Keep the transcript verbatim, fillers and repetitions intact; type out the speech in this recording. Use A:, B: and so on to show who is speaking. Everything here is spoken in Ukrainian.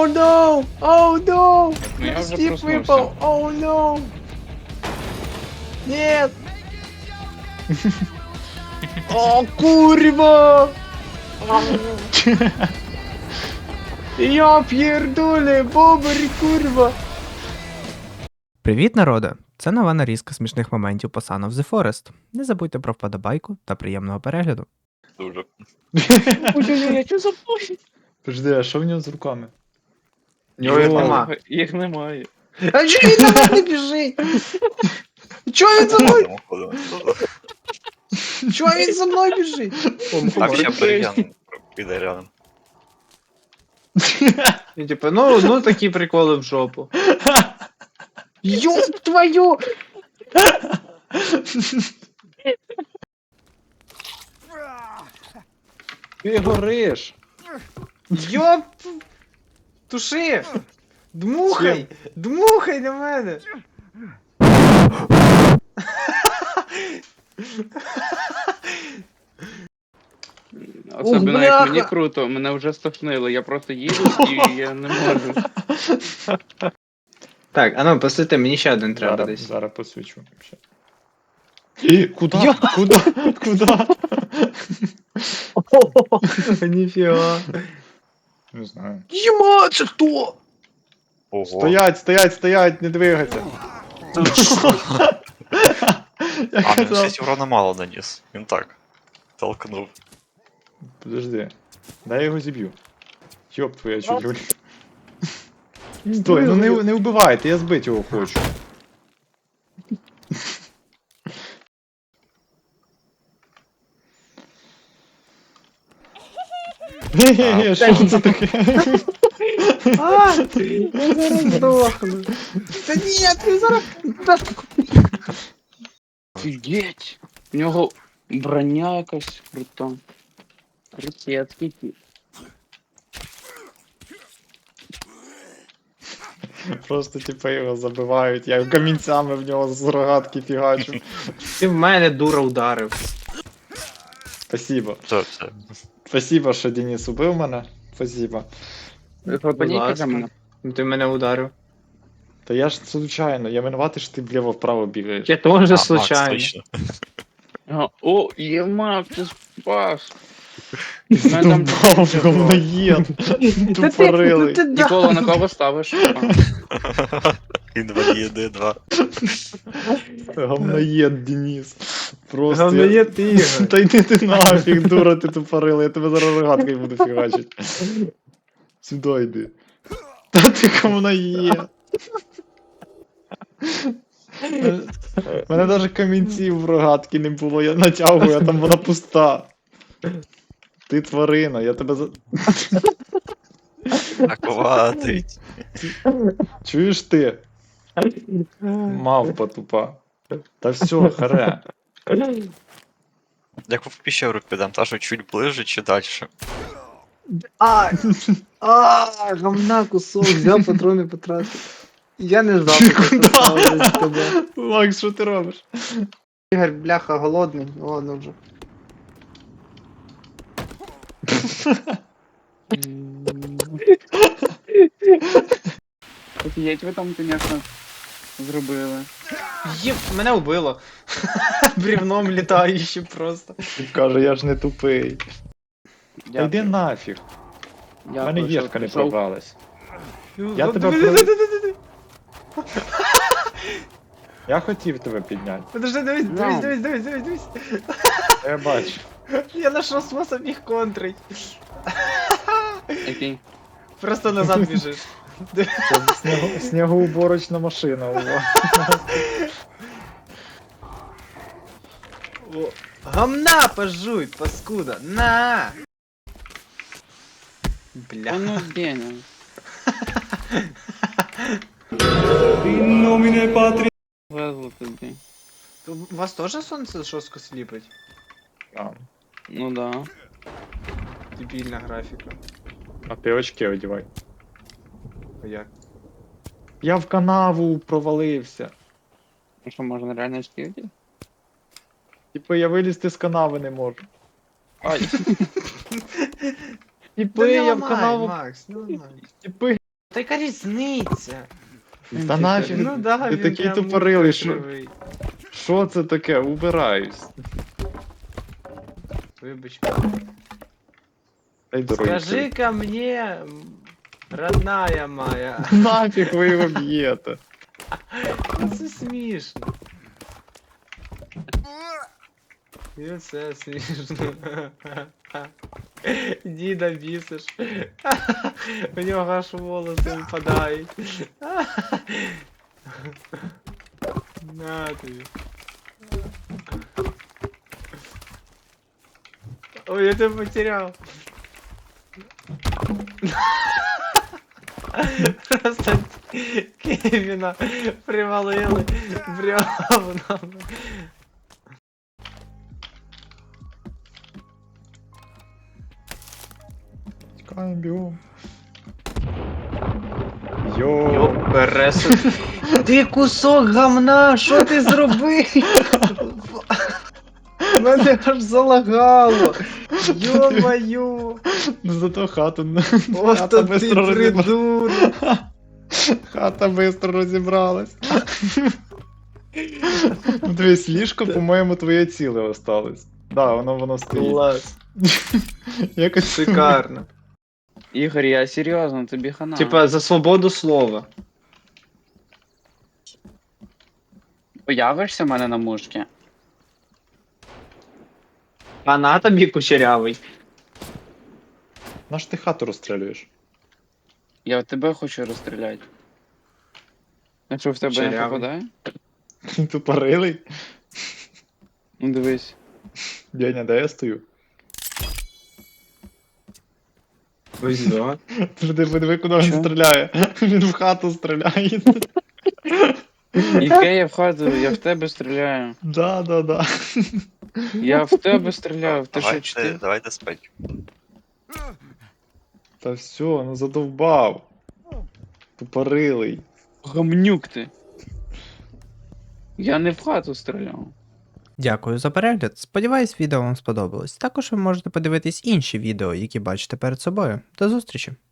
A: Оу, ноу! Оу, ноу!
B: Ну, я вже
A: Стіп
B: проснувся.
A: випав! Оу, ноу! Нет! О, курва! Я п'єрдулі, бобері, курва! Привіт, народе! Це нова нарізка смішних моментів по Son of the Forest. Не забудьте про вподобайку та приємного перегляду.
C: Дуже.
B: Ой-ой-ой, я чого забув?
D: Подожди, а що в нього з руками?
A: Нього їх
D: Йо.
A: нема.
B: Їх немає.
A: А чого він за мною біжить? Чого він за мною? Чого він за мною біжить?
C: Так ще Бригян піде рядом.
A: І типу, ну, ну такі приколи в жопу. Ёб твою!
D: Ти гориш!
A: Ёб! Туши! Дмухай! Дмухай на мене!
B: Особливо як
A: бляха!
B: мені круто, мене вже стошнило, я просто їду і я не можу.
A: Так, а ну, посвіти, мені ще один треба
D: Зараз,
A: десь.
D: зараз посвічу. Ще. І, куда? Куда? Куда?
A: Ніфіга.
D: Не знаю.
A: Єма, це хто?
C: Ого.
D: Стоять, стоять, стоять, не двигайся. Я
C: А, він
D: казав.
C: шість урона мало наніс. Він так. Толкнув.
D: Подожди. Дай я його зіб'ю. Йоп твоя чудюль. Стой, ну не, не вбивайте, я збити його хочу. Ге-ге-ге, що це таке?
A: А, я зараз здохну. Та ні, ти зараз...
B: Офігеть! У нього броня якась крута. Ракетки ті.
D: Просто типа його забивають, я камінцями в нього з рогатки фігачу.
A: Ти в мене дура ударив.
D: Спасибо.
C: Це, це.
D: Спасибо, що Денис убив мене. Спасибо.
B: Хлопані
A: ласка.
B: каже мене.
A: Ну, ти мене ударив.
D: Та я ж случайно, я винуватий, що ти вліво-вправо бігаєш.
A: Я
C: А,
A: теж
C: Макс,
A: случайно.
C: точно.
B: Ага. О, ємак, ти спас! Мене там
D: Тупав, говноєд. Тупорилий.
B: Нікола, на кого ставиш? А.
C: Інваліди, два.
D: Говноєд, Денис. Просто.
A: Говноєд ти,
D: я...
A: Ігор.
D: Та йди ти нафіг, дура ти тупорила, я тебе зараз рогаткою буду фігачить. Сюди йди. Та ти говноєд. У мене навіть камінців в рогатки не було, я натягую, а там вона пуста. Ти тварина, я тебе за...
C: Акуватить.
D: Чуєш ти? Мавпа тупа. Та все, харе.
C: Як в піщеру підемо, та що чуть ближче чи далі?
A: А, а, говна кусок, взяв патрони потратив. Я не знав, що
D: Куда?
A: це сталося з тобою.
D: Макс, що ти робиш?
A: Ігор, бляха, голодний, ладно вже.
B: Офігеть, ви там, звісно, зробили.
A: Єп, мене вбило. Брівном літаючи просто.
D: Каже, я ж не тупий. Та
B: Дякую.
D: йди нафіг. У
B: Дякую,
D: мене
B: що
D: єшка не
B: пішов.
D: пробралась. Я тебе
A: Подожди,
D: про- Я хотів тебе підняти.
A: Подожди, дивись, дивись, дивись, дивись, дивись, дивись.
D: Я бачу.
A: Я знайшов спосіб їх контрить.
B: Який?
A: Просто назад біжиш.
D: Це снігу... снігоуборочна машина у вас.
A: О, гамна пожуй, паскуда, на!
B: Та
A: Бля.
B: ну Деня. Везло тобі.
A: У вас теж сонце жорстко сліпить?
D: А,
B: Ну да.
A: Дебільна графіка.
D: а ти очки одівай.
A: А як?
D: Я в канаву провалився.
B: Ну що, можна реально скільки?
D: Типу я вилізти з канави не можу.
B: Ай.
D: Типу
A: Та не
D: я в
A: ламай,
D: канаву.
A: Макс, не ламай.
D: Типу
A: Та яка різниця?
D: Та нафіг,
A: Ну да,
D: ти
A: він
D: такий
A: прям
D: тупорилий,
A: мука
D: що,
A: кривий.
D: що це таке? Убираюсь.
A: Вибач.
D: Дай дорогі.
A: Скажи-ка мне, м, родная моя.
D: Нафіг ви його б'єте.
A: Це смішно. І це смішно. Діда бісиш. У нього аж волоси випадають. На тобі. Ой, я тебе потерял. Просто Кевіна привалили бревна.
D: Тікаємо, бігом. Йо.
A: Пересуд. Ти кусок гамна, що ти зробив? Мене аж залагало. Йо-маю.
D: Ну зато хату.
A: Ось
D: хата
A: то ти
D: бистро розібралась.
A: придурок.
D: Хата бистро розібралась. Ну дивись, ліжко, по-моєму, твоє ціле осталось. Да, воно воно стоїть.
A: Клас.
D: Якось
A: Шикарно.
B: Ігор, я серйозно, тобі хана.
A: Типа за свободу слова.
B: Появишся в мене на мушці?
A: А на тобі кучерявий.
D: Наш ти хату розстрілюєш?
B: Я в тебе хочу розстріляти. А що в тебе не
A: Чарявий.
B: попадає?
D: Тупорилий?
B: Ну дивись.
D: Деня, де я стою?
A: Ось да.
D: Ти подиви, куди він
B: Чо?
D: стріляє. Він в хату стріляє.
B: Яке я в хату, я в тебе стріляю.
D: Да, да, да.
B: Я в тебе стріляю, ти що
C: Давайте,
B: чти?
C: давайте спать.
D: Та все, ну задовбав. Тупорилий.
B: Гамнюк ти. Я не в хату стріляв.
E: Дякую за перегляд. Сподіваюсь, відео вам сподобалось. Також ви можете подивитись інші відео, які бачите перед собою. До зустрічі!